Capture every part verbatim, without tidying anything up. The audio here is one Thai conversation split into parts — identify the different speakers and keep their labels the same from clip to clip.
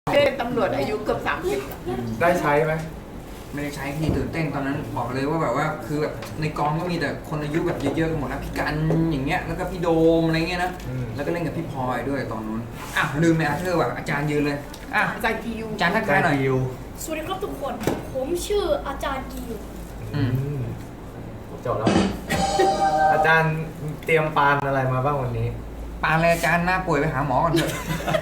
Speaker 1: เป็นตำรวจอายุเกือบสามสิบ
Speaker 2: ได้ใช้ไหม
Speaker 3: ไม่ได้ใช้พี่ตื่นเต้นตอนนั้นบอกเลยว่าแบบว่าคือแบบในกองก็มีแต่คนอายุแบบเยอะๆกันหมดนะพี่กันอย่างเงี้ยแล้วก็พี่โดมอะไรเงี้ยนะแล้วก็เล่นกับพี่พลอยด้วยตอนนู้นอ่ะลืมไปอาเธอร์แบบอาจารย์ยืนเลยอ่ะ
Speaker 1: อาจารย์กิว
Speaker 3: อาจารย์ทักทายหน่อย
Speaker 2: ยู
Speaker 4: สวัสดีครับทุกคน ผมชื่ออาจารย์กิว
Speaker 3: อืม
Speaker 2: จบแล้ว อาจารย์เตรียมปานอะไรมาบ้างวันนี้
Speaker 3: ปานเลยอาจารย์หน้าป่วยไปหาหมอก่อนเถอะ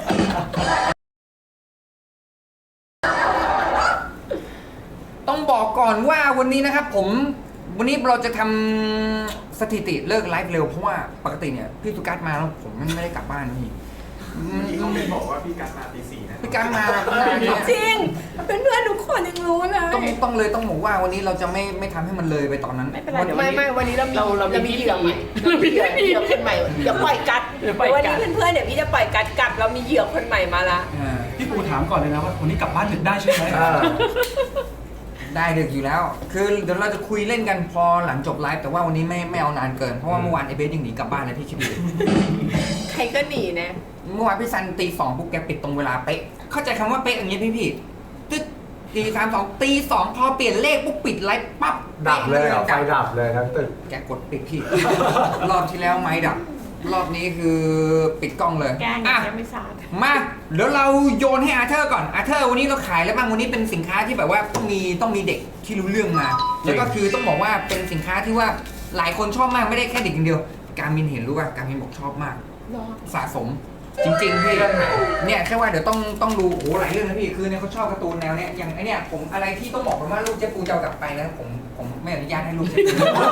Speaker 3: ต้องบอกก่อนว่าวันนี้นะครับผมวันนี้เราจะทำสถิติเลิกไลฟ์เร็วเพราะว่าปกติเนี่ยพี่สุกัสมาแล้วผมไม่ได้กลับบ้านพี่
Speaker 5: พี่ต้องเป็นบอกว่าพี่กัสมาตีสี่นะ
Speaker 3: พี่กัสมาเนี่ย
Speaker 1: จริงเป็นเพื่อนทุกคนยังรู้เลย
Speaker 3: ต้องต้องเลยต้องบอกว่าวันนี้เราจะไม่ไม่ทำให้มันเลยไปตอนนั้น
Speaker 1: ไม่เป็นไรเดี๋ยวไม่ไม่วันนี้เรามีเรามีเหยื่อใหม่เรามีเหยื่อเหยื่อคนใหม่เดี๋ยวปล่อยกัดเดี๋ยววันนี้เพื่อนๆเดี๋ยวพี่จะปล่อยกัดกลับเรามีเหยื่อคนใหม่มาละ
Speaker 3: อ่า
Speaker 5: พี่ปูถามก่อนเลยนะว่าวันนี้กลับบ้านดึกได้ใช่ไหม
Speaker 2: อ่า
Speaker 3: ได้ดึกอยู่แล้ว คือเดี๋ยวเราจะคุยเล่นกันพอหลังจบไลฟ์แต่ว่าวันนี้ไม่ไม่เอานานเกินเพราะว่าเมื่อวานไอเบสยังหนีกลับบ้านเลยพี่คิดดู
Speaker 1: ใครก็หนีนะ
Speaker 3: เมื่อวานพี่ซันตีสองปุ๊บแกปิดตรงเวลาเป๊ะเข้าใจคำว่าเป๊ะอย่างนี้พี่พี่ตึ๊ดตีสามสองตีสองพอเปลี่ยนเลขปุ๊บปิดไลฟ์ปั๊บ
Speaker 2: ดับเลยเหรอไฟดับเลยทั้งตึก
Speaker 3: แกกดปิดพี่ รอบที่แล้วไม้ดับ รอบนี้คือปิดกล้องเลย
Speaker 1: แกง
Speaker 3: อ่ะ
Speaker 1: แกไม่สาด
Speaker 3: มาเดี๋ยวเราโยนให้อาเธอร์ก่อนอาเธอร์วันนี้เราขายแล้วบ้างวันนี้เป็นสินค้าที่แบบว่าต้องมีต้องมีเด็กที่รู้เรื่องมา แล้วก็คือต้องบอกว่าเป็นสินค้าที่ว่าหลายคนชอบมากไม่ได้แค่เด็กอย่างเดียว การมินเห็นรู้ป่ะการมินบอกชอบมาก
Speaker 1: รอ
Speaker 3: สะสมจริงๆพี่เนี่ยแค่ว่าเดี๋ยวต้องต้องดูโอ้หลายเรื่องนะพี่คือเนี่ยเขาชอบการ์ตูนแนวเนี้ยอย่างไอเนี่ยผมอะไรที่ต้องบอกกันว่าลูกเจ๊ปูจะเอากลับไปนะผมผมไม่อนุญาตให้ลูกเจ๊ปู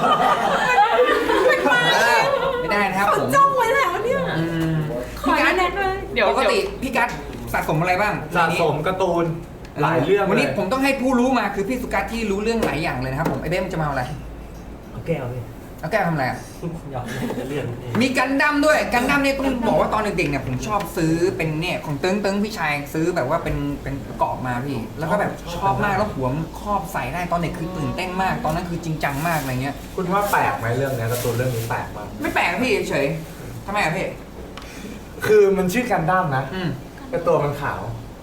Speaker 3: ไม่ได้นะครับผม
Speaker 1: จ้องไว้แล้วเนี่ย
Speaker 3: อืม
Speaker 1: ขอแนะนำเลยเดี๋ยว
Speaker 3: ปกติพี่กัสสะสมอะไรบ้าง
Speaker 2: สะสมการ์ตูนหลายเรื่อง
Speaker 3: วันนี้
Speaker 2: เลย
Speaker 3: ผมต้องให้ผู้รู้มาคือพี่สุกัสที่รู้เรื่องหลายอย่างเลยนะครับผมไอเบ้มจะมาเอาอะไร
Speaker 6: เอาแก้วเลย
Speaker 3: เอาแก้วทำอะไรอ่ะ
Speaker 6: อยากจะเลื่อนเอง
Speaker 3: มีกันดั้มด้วยกันดั้มเนี่ยต้องบอกว่าตอนเด็กๆเนี่ยผมชอบซื้อเป็นเนี่ยของเติ้งเติ้งพี่ชายซื้อแบบว่าเป็นเป็นกรอบมาพี่ แล้วก็แบบชอบมากแล้วหัวมันครอบใส่ได้ตอนเด็กคือตื่นเต้นมาก ตอนนั้นคือจริงจังมากอะไรเงี้ย
Speaker 2: คุณว่าแปลกไหมเรื่องเนี้ยการ์ตูนเรื่องนี้แปลกมาก
Speaker 3: ไม่แปลกนะพี่เฉยๆทำไมอ่ะพี่
Speaker 2: คือมันชื่อกันดั้มนะ
Speaker 3: อืม
Speaker 2: แต่ตัวมันขาว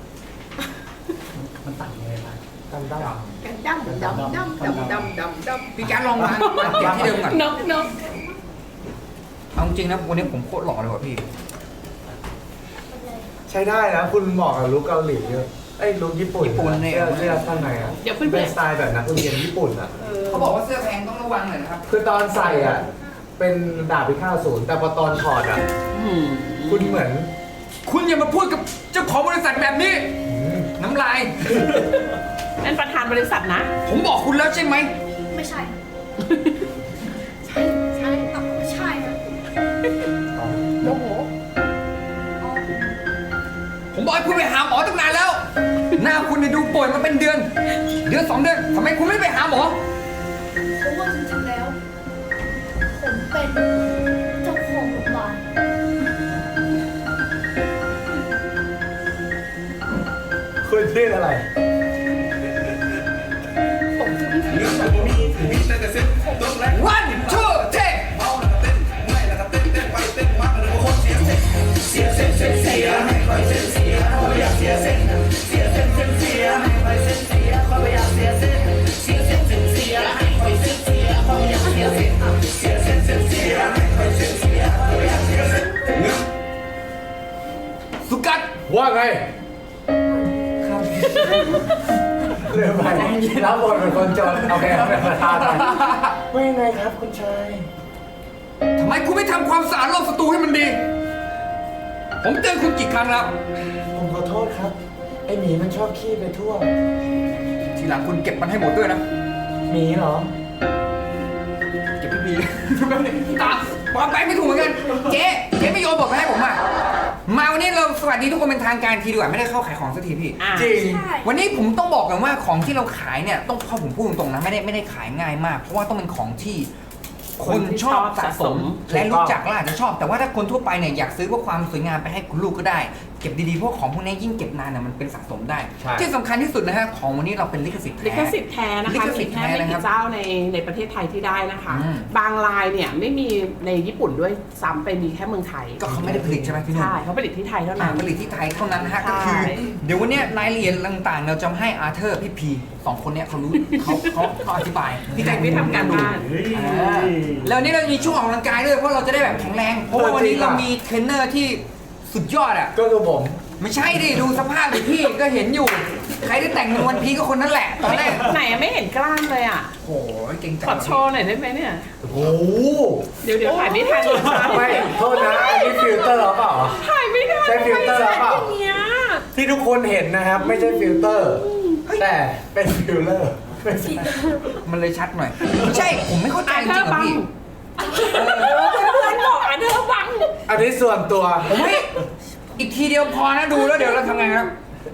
Speaker 6: มันต่างยังไงบ้าง
Speaker 2: กันดั้ม
Speaker 1: กันดำดำดำดำดำดำดำ
Speaker 3: พี่กัสลองมามาเก็บที่เดิมก่อน
Speaker 1: นกนก
Speaker 3: เอาจริงนะวันนี้ผมโคตรหล่อเลยว่ะพี่
Speaker 2: ใช้ได้นะคุณเหมาะกับลุคเกาหลีเยอะไอ้ยลุคญี่ปุ่น
Speaker 3: ญี่ปุ่นเนี่ย
Speaker 2: เสื้อเสื้อข้างในอ่ะ
Speaker 1: เดี๋ยวเพื่อน
Speaker 2: เป็นสไตล์แบบนักเรียนญี่ปุ่นอ่ะ
Speaker 1: เออ
Speaker 3: เขาบอกว่าเสื้อแพงต้องระวังหน่อยนะครับ
Speaker 2: คือตอนใส่อ่ะ เป็นดาบพิฆาตอสูรแต่พอตอนถอดอ่ะ คุณเหมือน
Speaker 3: คุณอย่ามาพูดกับเจ้าของบริษัทแบบนี้ น้ำลาย
Speaker 1: นั่นประธานบริษัทนะ
Speaker 3: ผมบอกคุณแล้วใช่ไหม
Speaker 4: ไม่ใช่
Speaker 1: ใช่ใช่
Speaker 4: อ่ะไม่ใช่นะ
Speaker 1: โมโห
Speaker 4: อ๋อ
Speaker 3: ผมบอกให้คุณไปหาหมอตั้งนานแล้ว หน้าคุณเนี่ยดูป่วยมาเป็นเดือน เดือนสองเดือนทำไมคุณไม่ไปหาหมอ
Speaker 4: เพราะว่าจริงๆแล้ว ผมเป็นเจ้าของโรงพยาบาล
Speaker 2: คุณชื่ออะไร
Speaker 3: วันทูเทคสุกัด
Speaker 2: ว่าไง
Speaker 3: ครับ
Speaker 2: เรื่องไปรับบทเป็นคนจนโอเคครับเป็นประธานไปว่ายังไงครับคุณชาย
Speaker 3: ทำไมคุณไม่ทำความสะอาดรอบสตูให้มันดี ผมเตือนคุณกี่ครั้งแล้ว
Speaker 2: ผมขอโทษครับ ไอหมีมันชอบขี้ไปทั่ว
Speaker 3: ทีหลังคุณเก็บมันให้หมดด้วยนะ
Speaker 2: หมีเหรอ
Speaker 3: เก็บพี่บีตาปอมไปไม่ถูกเหมือนกัน เจ๊เจ๊ไม่โยนบทมาให้ผมอ่ะ มาวันนี้เราสวัสดีทุกคนเป็นทางการทีดีกว่าไม่ได้เข้าขายของสักทีพี่
Speaker 1: อ่ะ
Speaker 2: จริง
Speaker 4: ใช่
Speaker 3: วันนี้ผมต้องบอกกันว่าของที่เราขายเนี่ยต้องพอผมพูดตรงๆนะไม่ได้ไม่ได้ขายง่ายมาก เพราะว่าต้องเป็นของที่คนชอบสะสมและรู้จักและอาจจะชอบ แต่ว่าถ้าคนทั่วไปเนี่ยอยากซื้อเพื่อความสวยงามไปให้คุณลูกก็ได้เก็บดีๆพวกของพวกนี้ยิ่งเก็บนานน่ะมันเป็นสะสมได้
Speaker 2: ใช่
Speaker 3: ที่สำคัญที่สุดนะฮะของวันนี้เราเป็นลิขสิทธิ์
Speaker 1: ลิ
Speaker 3: แท้
Speaker 1: ขสิทธิ์แท้นะ
Speaker 3: ลิ
Speaker 1: คะ
Speaker 3: ขสิทธิ์
Speaker 1: มีแค่
Speaker 3: แท้
Speaker 1: ไม่
Speaker 3: นะครั
Speaker 1: กี่
Speaker 3: บ
Speaker 1: เจ้าในในประเทศไทยที่ได้นะคะ
Speaker 3: อืม
Speaker 1: บางลายเนี่ยไม่มีในญี่ปุ่นด้วยซ้ำไปมีแค่เมืองไทย
Speaker 3: ก็เขาไม่ได้ผลิตใช่ไหมพี่นุ่น
Speaker 1: ใช่เขาผลิตที่ไทยเท่า
Speaker 3: อ่า
Speaker 1: นั้น
Speaker 3: ผลิตที่ไทยเท่านั้นนะฮะ
Speaker 1: ใช่
Speaker 3: ก็คือเดี๋ยววันเนี้ยรายละเอียดต่างๆ เราจะให้อาร์เธอร์พี่พีสองคนเนี้ยเขารู้เขาเขาเขาอธิบาย
Speaker 1: พี่แจ็คไม่ทำการบ้าน
Speaker 6: เฮ้ย
Speaker 3: อ่าแล้ววันนี้เรามีช่วงออกกำลังกายด้วยเพราะเราจะได้แบบแข็งแรงเพราะว่าวันนี้เรามีเทรนเนอร์ที่สุดยอดอ่ะ
Speaker 2: ก็คือผม
Speaker 3: ไม่ใช่ดิดูสภาพดิพี่ก็เห็นอยู่ ใครที่แต่งเป็นวันพีก็คนนั้นแหละตอนแรก
Speaker 1: ไหนไม่เห็นกล้ามเลยอ่ะ
Speaker 3: โอ้โหเก่งจัง
Speaker 1: ขอโชว์หน่อยได้ไหมเนี่ย
Speaker 2: โอ้โห
Speaker 1: เดี๋ยวเดี๋ยวถ่ายไม่ทันเลยค่ะ
Speaker 2: ไม่โทษนะอันนี้ฟิลเตอร์หรือเปล่า
Speaker 1: ถ่ายไม่ทัน
Speaker 2: ใช้ฟิลเตอร์หรือเปล่า
Speaker 1: อย่างเงี้ย
Speaker 2: ที่ทุกคนเห็นนะครับไม่ใช่ฟิลเตอร์ แต่เป็นฟิลเลอร์
Speaker 3: มันเลยชัดหน่อยไม่ใช่ผมไม่เข้าใจ
Speaker 1: อา
Speaker 3: จ
Speaker 1: เธ
Speaker 3: ริ
Speaker 1: อง ร์
Speaker 3: ๆอะ
Speaker 1: บัง
Speaker 3: พี่
Speaker 1: เพื่อนบอกอาเธอร์บัง
Speaker 2: อันนี้ส่วนตัว
Speaker 3: ผมไม่อีกทีเดียวพอนะดูแล้วเดี๋ยวเราทำไงครับ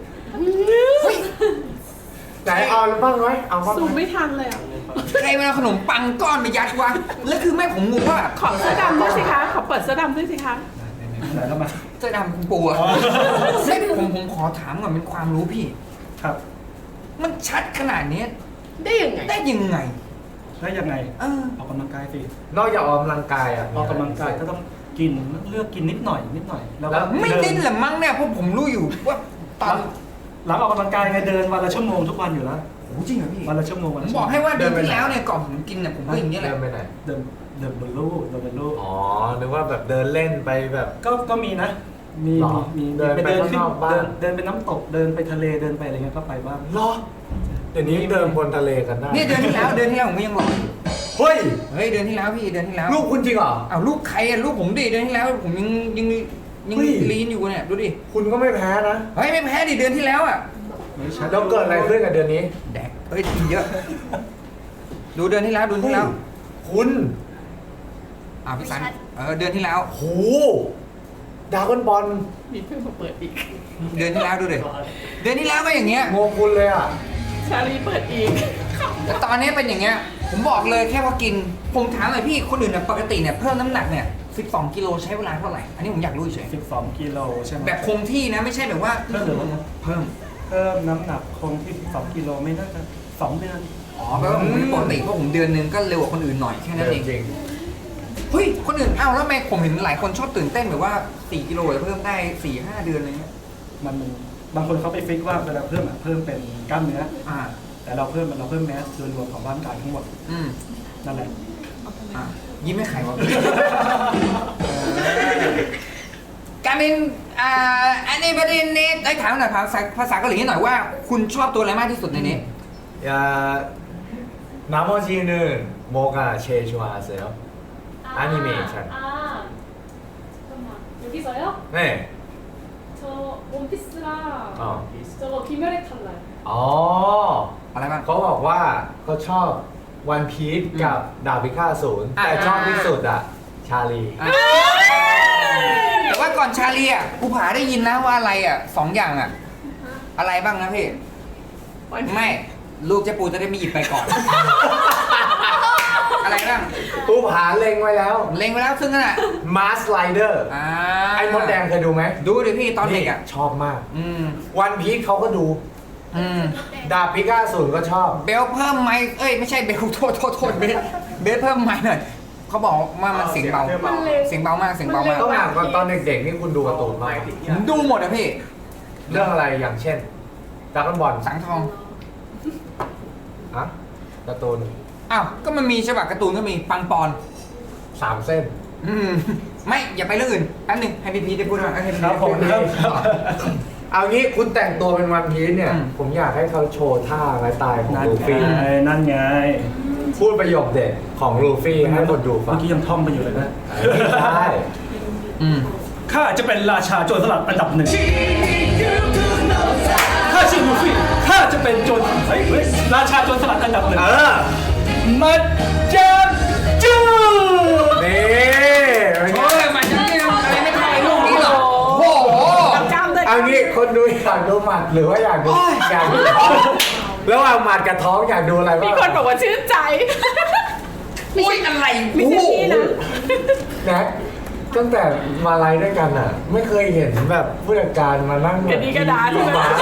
Speaker 2: ไหนเอาบ้างไหมเอาบ้าง
Speaker 1: ซูม
Speaker 2: ไหม
Speaker 1: ไม่ทันเลยอ่ะ
Speaker 3: ใครมาเอาขนมปังก้อนไปยัดวะแล้วคือแม่ผมงงว่า
Speaker 1: ขอเสื้อดำด้วยสิคะ ขอเปิดเสื้อดำด้วยสิคะ
Speaker 5: ไหนแล้วมา
Speaker 3: เสื้อดำคุณปูอะไม่ผมผมขอถามก่อนเป็นความรู้พี่
Speaker 5: ครับ
Speaker 3: มันชัดขนาดนี้
Speaker 1: ได้ยังไง
Speaker 3: ได้ยังไง
Speaker 5: แล้วยังไง
Speaker 3: เออ
Speaker 5: ออกกำลังกายสิ
Speaker 2: นอกจากออกกำลังกายอ่ะ
Speaker 5: ออกกำลังกายก็ต้องกินเลือกกินนิดหน่อยนิดหน่อยแล้ว
Speaker 2: แล้
Speaker 5: ก็
Speaker 2: ว
Speaker 3: ไม่
Speaker 5: เดิ
Speaker 3: ดิ้นแหละมั้งเนี่ยเพราะผมรู้อยู่ว่าตอน
Speaker 5: หลังออกกำลังกายไงเดินวันละชั่วโมงทุกวันอยู่แล้ว
Speaker 3: โอ้จริงเหรอพี่
Speaker 5: วันละชั่วโมงวัน
Speaker 3: ผ
Speaker 5: ละ
Speaker 3: ม
Speaker 5: ชั่ว
Speaker 3: บ
Speaker 5: โม
Speaker 3: อง กให้ว่าเดือนที่แล้วเนี่ยก่อนผมกินเนี่ยผมก็อย่างนี้ยแหละ
Speaker 2: เดินไปไหน
Speaker 5: เดินเดินบนลู่เดินบนลู่
Speaker 2: อ๋อนึกว่าแบบเดินเล่นไปแบบ
Speaker 5: ก็ก็มีนะ มี
Speaker 2: หรอ
Speaker 5: มี
Speaker 2: เดินไป
Speaker 5: เดิน
Speaker 2: ข้าง
Speaker 5: ขึ้น
Speaker 2: นอกบ้าน
Speaker 5: เดินเดินไปน้ำตกเดินไปทะเลเดินไปอะไรเงี้ยก็ไปบ้าง
Speaker 2: เหรอเดี๋ยวนี้เดินบนทะเลกันได้
Speaker 3: เนี่ยเดือนที่แล้วเดือนที่แล้วผมก็ยังบอก
Speaker 2: เฮ้ย
Speaker 3: เฮ้ยเดือนที่แล้วพี่เดือนที่แล้ว
Speaker 2: ลูกคุณจริงเหรอ
Speaker 3: อ้าวลูกใครอะลูกผมดิเดือนที่แล้วผมยังยังยัง
Speaker 2: เฮ้ย
Speaker 3: ลีนอยู่เนี่ยดูดิ
Speaker 2: คุณก็ไม่แพ้นะ
Speaker 3: เฮ้ยไม่แพ้ดิเดือนที่แล้วอ่ะ
Speaker 5: ไม่ใช่
Speaker 2: แล้วเกิดอะไรขึ้นกับเดือนนี้
Speaker 3: แดกเฮ้ยกินเยอะ ดูเดือนที่แล้วเดือนที่แล้ว
Speaker 2: คุณ
Speaker 3: อ่าพี่สันเออเดือนที่แล้ว
Speaker 2: โหดราก้อนบอล
Speaker 1: มีเพื่อนมาเปิดอีก
Speaker 3: เดือนที่แล้วดูดิเดือนที่แล้วก็อย่างเงี้ย
Speaker 2: งงคุณเลยอ่ะ
Speaker 1: ชาลีเปิดอีก
Speaker 3: แต่ตอนนี้เป็นอย่างเงี้ยผมบอกเลยแค่ว่ากินผมถามหน่อยพี่คนอื่นเนี่ยปกติเนี่ยเพิ่มน้ำหนักเนี่ยสิบสองกิโลใช้เวลาเท่าไหร่อันนี้ผมอยากรู้เฉย
Speaker 5: สิบสองกิโลใช่ไหม
Speaker 3: แบบคงที่นะไม่ใช่แบบว่า
Speaker 5: เพิ่มหรือลดนะ
Speaker 3: เพิ่ม
Speaker 5: เพิ่มน้ำหนักคงที่สิบสองกิโลไม่น่าจะสองเดือน
Speaker 3: อ๋อแปลว่าผมปกติเพราะผมเดือนนึงก็เร็วกว่าคนอื่นหน่อยแค่นั้นเอง
Speaker 2: จริง
Speaker 3: เฮ้ยคนอื่นอ้าวแล้วทำไมผมเห็นหลายคนชอบตื่นเต้นแบบว่าสี่กิโลจะเพิ่มได้สี่ห้าเดือนอะไรเงี้ย
Speaker 5: มันบางคนเขาไปฟิกว่าเวลาเพิ่มอะเพิ่มเป็นกล้ามเนื้อ
Speaker 3: อ่า
Speaker 5: แต่เราเพิ่มมันเราเพิ่มแมสโดยรวมของร่างกายทั้งหมด
Speaker 3: อืม
Speaker 5: นั่นแหละ
Speaker 3: อ่ะยิ้มให้ใครวะ การเป็นอ่าอันนี้ประเด็นนี้ได้ถามหน่อยภาษาภาษาเกาหลีนิดหน่อยว่า คุณชอบตัวอะไรมากที่สุดในนี้
Speaker 2: 야 나머지는 뭐가 제일 좋아하세요? 애니메이션.
Speaker 4: 아, 잠깐만. 여기서요?
Speaker 2: 네.
Speaker 4: 저 원피스랑
Speaker 2: 어.
Speaker 4: 저거 귀멸의 칼날.
Speaker 2: 어.
Speaker 3: อะไรบ้าง
Speaker 2: เขาบอกว่าเขาชอบวันพีซกับดาบพิฆาตศูนย์
Speaker 3: อ่า
Speaker 2: แต่ชอบที่สุดอะชาลี
Speaker 3: อ่ะแต่ว่าก่อนชาลีอ่ะกูผาได้ยินนะว่าอะไรอ่ะสองอย่างอ่ะ อะไรบ้างนะพี่ ไม่ลูกเจ๊ปูจะได้ไม่หยิบไปก่อน อะไรบ้าง
Speaker 2: ปูผาเล็งไว้แล้ว
Speaker 3: เล็งไว้แล้วซึ่งนั่นอ่ะ
Speaker 2: มาสไลเดอร์
Speaker 3: อ่า
Speaker 2: ไอ้มดแดงเคยดูไหม
Speaker 3: ดูดิพี่ตอนเด็กอ่ะ
Speaker 2: ชอบมาก
Speaker 3: อืม
Speaker 2: วันพีซเขาก็ดู
Speaker 3: อืม
Speaker 2: ดาบพิฆาตศูนย์ก็ชอบ
Speaker 3: เบลเพิ่มไมค์เอ้ยไม่ใช่เบลโทษโทษโทษเบลเบลเพิ่มไมค์หน่อยเขาบอกว่ามันเสียงเบา
Speaker 4: มันเร็ว
Speaker 3: เสียงเบามากเสียงเบามาก
Speaker 2: ต้องถามก่อนตอนเด็กๆนี่คุณดูการ์ตูนมาก
Speaker 3: ผมดูหมดอะพี่
Speaker 2: เรื่องอะไรอย่างเช่นดราก้อนบอล
Speaker 3: สังทอง
Speaker 2: อะการ์ตูน
Speaker 3: อ้าวก็มันมีฉบับการ์ตูนก็มีปังปอน
Speaker 2: สามเส้น
Speaker 3: อืมไม่อย่าไปเรื่องอื่นแป๊บหนึงให้พี่พีได้พูดก่อนให้พี่
Speaker 5: ครับผม
Speaker 3: ได้
Speaker 5: ครับ
Speaker 3: พูดก่อน
Speaker 2: เอางี้คุณแต่งตัวเป็นวันพีซเนี่ย
Speaker 3: อืม
Speaker 2: ผมอยากให้เขาโชว์ท่าไม้ตายของ
Speaker 5: นั่น
Speaker 2: ลู
Speaker 5: ไง
Speaker 2: ฟี่
Speaker 5: นั่นไง
Speaker 2: พูดประโยคเด็ดของลูฟี่ให้คนดูฟั
Speaker 5: เมื่
Speaker 2: ง
Speaker 5: อกี้ยังท่องไปอยู่เลยนะ
Speaker 2: ได้
Speaker 3: อืม
Speaker 5: ข้าจะเป็นราชาโจรสลัดอันดับหนึ่งข้าชื่อลูฟี่ข้าจะเป็นโจรเฮ้ยเฮ้ยราชาโจรสลัดอันดับหนึ่ง
Speaker 2: เออ
Speaker 5: มาจับจู
Speaker 2: นี่เป็นไง
Speaker 3: โอ้ยมันจะเรื่องอะไรไม่ไทยลูกนี้หรอกโอ้โห
Speaker 1: จำเลย
Speaker 2: เอางี้คนดูอยากดูหมัดหรือว่าอยากดู
Speaker 3: โอ้ย
Speaker 2: อยากดูท้องระหว่างหมัดกับท้องอยากดูอะไร
Speaker 1: มี
Speaker 2: บ้าง
Speaker 1: คนบอกว่าชื่นใจ
Speaker 3: อุ้ยอะไร
Speaker 1: ไม่ใช่พี่นะ
Speaker 2: แน็กตั้งแต่มาไลฟ์ด้วยกันอ่ะ ไม่เคยเห็นแบบผู้จัดการมานั่งแบบ
Speaker 1: กระดีกระดาใช่ไหม
Speaker 2: มา